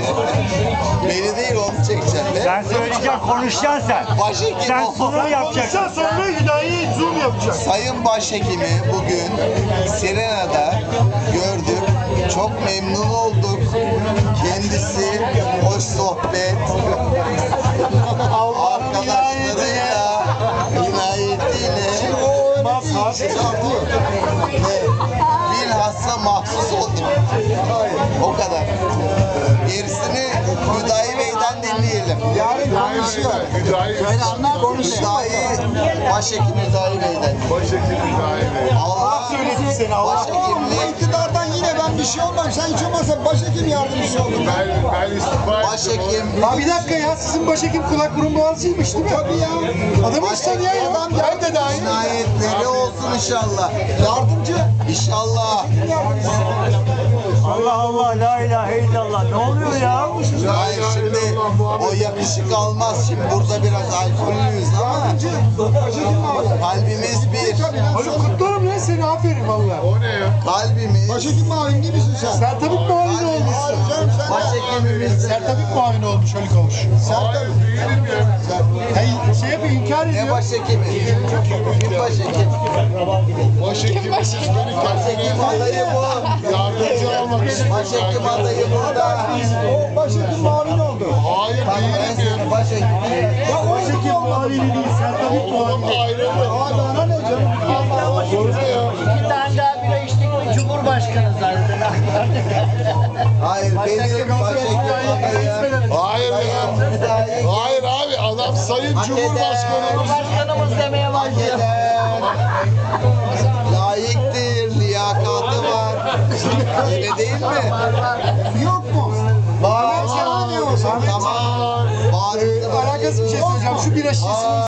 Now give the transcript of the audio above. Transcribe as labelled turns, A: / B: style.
A: Beni değil onu çekeceksin.
B: Sen söyleyeceksin, konuşacaksın sen.
A: Başhekim
B: Sen sunumu yapacaksın.
C: Sen sonra Hüdayi zoom yapacak.
A: Sayın Başhekimi bugün Sirena'da gördük. Çok memnun olduk. Kendisi hoş sohbet. Arkadaşlarıyla, inayetiyle bilhassa mahsus oldum. O kadar. Gerisini Hüdayi Bey'den dinleyelim.
D: Yarın konuşuyor.
A: Hüdayi, Başhekim Hüdayi Bey'den.
E: Başhekim Hüdayi Bey.
A: Allah
C: Söyledi seni Allah.
A: Başhekimliği.
D: İktidardan yine ben bir şey olmam. Sen hiç olmazsa başhekim yardımcısı oldun.
E: Ben istifa ettim.
A: Başhekim.
C: Ha bir dakika ya, sizin başhekim kulak burun boğazıymış değil mi?
D: Tabii ya.
C: Adamı hiç tanıyan yok.
D: Adam
C: Ben de dahil.
A: Cinayetleri olsun inşallah.
D: Yardımcı.
A: İnşallah.
B: Allah Allah, la ilahe illallah. Ne oluyor ya?
A: Hayır şimdi o yakışık almaz. Şimdi burada biraz alkollüyüz ama
D: Başhekim abi.
A: kalbimiz bir.
C: Haluk kutlarım lan seni, aferin valla.
E: O ne ya?
A: Kalbimiz.
D: Başhekim mavim değil misin sen?
C: Sertabik muavini olmuşsun.
D: Canım sen de.
A: Başhekimimiz.
C: Sertabik muavini olmuş Haluk olmuş.
E: Hayır değilim ya.
C: Hey, şey yapıyor, inkar
A: Ne
C: ediyor.
A: başhekimi? Kim başhekim?
E: Başhekim beni
A: Başhekim adayı bu.
E: yardımcı almak istiyor.
A: Başhekim adayı burada.
D: O başhekim mavin oldu.
E: Hayır
A: Bak ben
E: değilim ya.
A: seni başhekim.
C: Başhekim muavini değil, Sertabik muavini.
E: Ayrıldı.
D: Abi ana ne canım?
E: Doğru ya.
F: İki tane daha bira içtik mi Cumhurbaşkanı zaten.
A: Hayır benim başhekim adayım.
E: Hayır ya. Hayır abi adam Sayın Cumhurbaşkanımız.
F: Başkanımız demeye
A: Hak
F: başlıyor.
A: eder. Layıktır, liyakatı var. Öyle değil mi?
D: Yok mu?
A: Var.
D: Sen ne diyorsun?
A: Tamam. Var.
C: Alakası bir şey söyleyeceğim. Şu bira şişesini